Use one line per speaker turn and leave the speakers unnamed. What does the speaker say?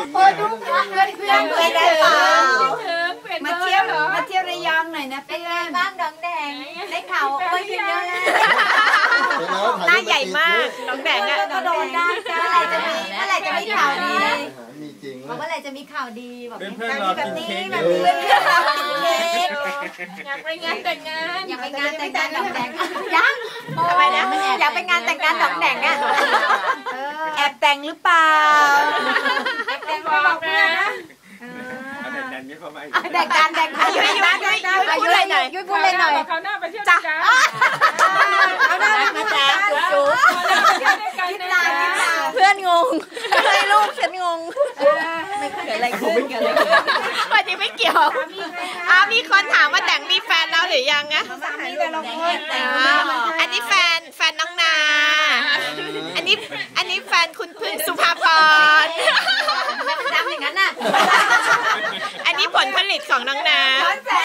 โอ้ดูเพื่อนได้เปล่ามาเที่ยวระยองหน่อยนะเพื่อนบ้างดองแดงได้ข่าวไปเยอะแล้ว
หน้าใหญ่มากน้องแดงอะ
ก็โดนได้เมื่อไหร่จะมีข่าวดี
มีจริง
เมื่อไหร่จะมีข่าวดีบอก
เพื่อนๆรอกินเค้ก
แบบนี้เพื่อนๆรอกินเค้ก
อยากไปงานแต่งงาน
อยากไปงานแต่งงานดองแดงยัง
ทำไมนะอยากไปงานแต่งงานน้องแดงอะแอบแต่งหรือเปล่า
แต่งบอกเพื่อนนะ
แต่งการยุ้ยพูดเลยหน่อย
เขาหน้าไปเที่ยว
จ้ะ
เอาหน้ามาจ้าจุ๊บ
เพื่อนงงให้ลูกฉันงง
ไม่เกิดอะไรขึ้น
วันนี้ไม่เกี่ยวมีคนถามว่าแต่งมีแฟนแล้วหรือยังอะอันนี้แฟนน้องนาอันนี้แฟนคุณพึ่งสุภาพร
ดังอย่างนั้นน่ะ
อันนี้ผลผลิตของน้องนา